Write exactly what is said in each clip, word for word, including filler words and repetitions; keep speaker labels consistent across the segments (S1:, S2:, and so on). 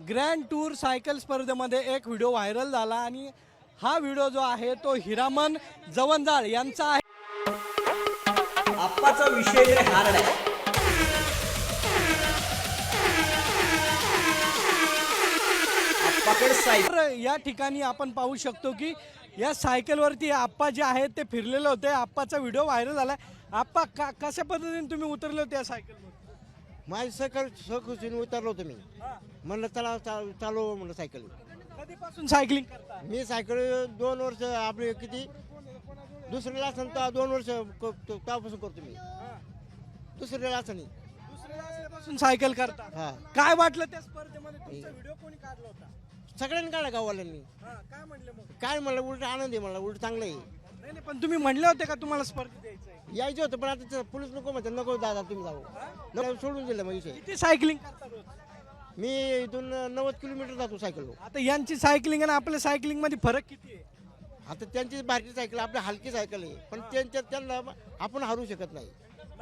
S1: Grand tour cycle स्पर्धेमध्ये एक video viral झाला आणि हा व्हिडिओ जो आहे तो हिरामन जवंजाळ यांचा आहे।
S2: आप्पाचा विषय लय हार्ड आहे। आप्पाकडे सायकल
S1: तर या ठिकाणी आपण पाहू शकतो की या सायकलवरती आप्पा जे आहेत ते फिरलेले होते। आप्पाचा व्हिडिओ व्हायरल झाला। आप्पा का कशा पद्धतीने तुम्ही उतरले होते या सायकलवर?
S3: माझी सायकल सहकुशीने उतरलो होतो मी, म्हणलं चला चा- चालू म्हणलं सायकल।
S1: कधीपासून सायकलिंग करता?
S3: मी सायकल दोन वर्ष आपले किती दुसऱ्याला असं तर दोन वर्ष क- त- तेव्हापासून करतो मी, दुसऱ्याला असं नाही।
S1: दुसऱ्या वर्षापासून सायकल करता?
S3: हा,
S1: काय वाटलं त्या स्पर्धेमध्ये? तुमचा व्हिडिओ कोणी काढला होता?
S3: सगळ्यांनी काढला गाववाल्यांनी।
S1: हा, काय म्हणले मग?
S3: काय म्हणलं उलट आनंद आहे, म्हणलं उलट चांगलं आहे।
S1: नाही नाही, पण तुम्ही म्हणले होते का तुम्हाला स्पर्धेत यायचं आहे?
S3: यायचं होतं पण आता ते पोलीस नको म्हणतात, नको दादा तुम्ही जाऊ, नको सोडून दिलं मग विषय।
S1: किती सायकलिंग करता रोज?
S3: मी इथून नव्वद किलोमीटर जातो सायकलवर।
S1: आता यांची सायकलिंग आणि आपल्या सायकलिंग मध्ये फरक किती आहे?
S3: आता त्यांची बारकी सायकल आपली हलकी सायकल आहे, पण त्यांच्या त्यांना आपण हरू शकत नाही।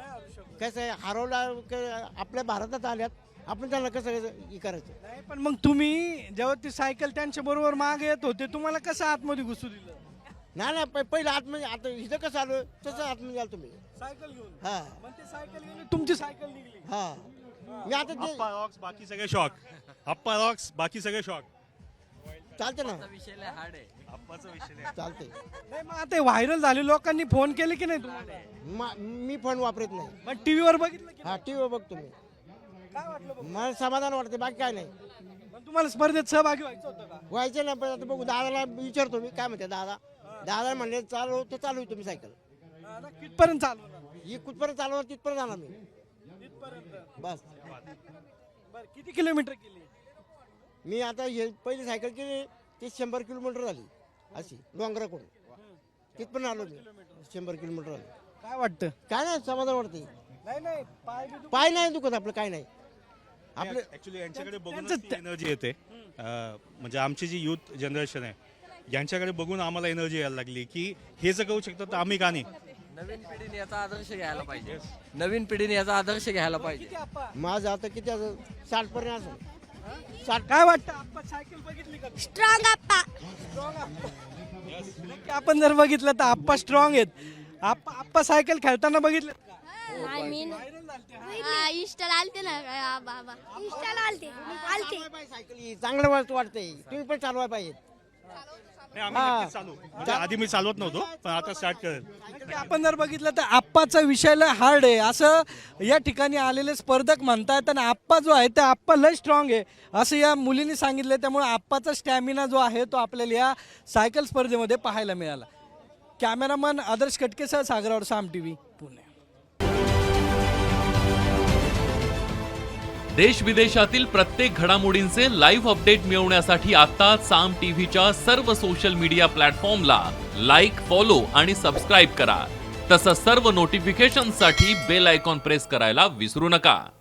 S3: कसं आहे, हरवला क- आपल्या भारतात आल्यात, आपण त्यांना कसं हे करायचं?
S1: नाही, पण मग तुम्ही जेव्हा ती सायकल त्यांच्या बरोबर मागे येत होते तुम्हाला कसं आतमध्ये घुसू दिलं?
S3: नाही नाही, प- पहिलं आतमध्ये, आता इथं कसं आलो तसं आतमध्ये आलो तुम्ही।
S1: सायकल घेऊन?
S3: हा
S1: मग ते सायकल गेली, तुमची सायकल निघली?
S3: हा, मी आता ते
S4: अप्पा रॉक्स बाकी सगळे शॉक अप्पा रॉक्स बाकी सगळे शॉक
S3: चालते ना,
S4: अप्पाचा विषय
S3: चालते।
S1: नाही, मग आता व्हायरल झाले लोकांनी फोन केले की नाही तुम्हाला?
S3: मा- मी फोन वापरत नाही।
S1: मग टीव्हीवर बघितलं की
S3: हा, टीव्हीवर बघतो मी,
S1: काय वाटलं बघ?
S3: मला समाधान वाटते, बाकी काय नाही।
S1: मग तुम्हाला स्पर्धेत सहभागी व्हायचं होतं का?
S3: व्हायचं नाही, पण आता बघू, दादाला विचारतो मी काय म्हणते दादा। दादा म्हणले चालू तर चालू तुम्ही सायकल,
S1: हा ना, कितपर्यंत चालवणार?
S3: ही कुठपर्यंत चालवणार तिथपर्यंत जाणार मी,
S1: इथपर्यंत?
S3: बस।
S1: बरं, किती किलोमीटर केली?
S3: मी आता हे पहिली सायकल केली ती शंभर किलोमीटर झाली, अशी डोंगराकडून तिथपर्यंत आलो मी, शंभर किलोमीटर आलो।
S1: काय वाटतं?
S3: काय नाही, समाधान वाटते,
S1: नाही नाही, पाय बी दुख-
S3: पाय नाही दुखत आपलं, काय नाही आपलं।
S4: ऍक्च्युली यांच्याकडे बघूनच
S1: त्यांचं-
S4: ती एनर्जी येते अं, म्हणजे आमची जी युथ जनरेशन आहे यांच्याकडे बघून आम्हाला एनर्जी यायला लागली की हे जर करू शकतात तर आम्ही का नाही।
S5: नवीन पिढीने याचा आदर्श घ्यायला पाहिजे नवीन पिढीने याचा आदर्श घ्यायला पाहिजे
S1: किती आप्पा?
S3: माझं आता किती असं साठ पर्यंत असं साठ।
S1: काय वाटतं आप्पा, सायकल बघितली का?
S6: स्ट्रॉंग आप्पा.
S1: नक्की आपण जर बघितलं तर आप्पा स्ट्रॉंग आहेत। आप्पा आप्पा सायकल खेळताना बघितलं का?
S6: नाही मी हा, इंस्टाला आलते ना हा, बाबा इंस्टाला आलते आलते
S3: सायकल ही चांगलं वाटतं वाटतंय, तुम्ही पण चालवाय पाहिजे।
S4: नाही, आम्ही नक्कीच चालू म्हणजे आधी मी चालवत नव्हतो पण आता स्टार्ट करेल।
S1: नक्की आपण जर बघितलं तर आप्पाचा विषय लय हार्ड आहे असं या ठिकाणी आलेले स्पर्धक म्हणतात आणि आप्पा जो आहे ते आप्पा लय स्ट्रॉंग आहे असं या मुलींनी सांगितलं। त्यामुळे आप्पाचा स्टॅमिना जो आहे तो आपल्याला या सायकल स्पर्धेमध्ये पाहायला मिळाला। कॅमेरामन आदर्श कटकेसह सागरावर साम टीव्ही पुणे।
S7: देश विदेशातील प्रत्येक घडामोडींचे लाईव्ह अपडेट मिळवण्यासाठी आता साम टीव्हीच्या सर्व सोशल मीडिया प्लॅटफॉर्मला लाईक, फॉलो आणि सबस्क्राईब करा। तसंच सर्व नोटिफिकेशनसाठी बेल आयकॉन प्रेस करायला विसरू नका।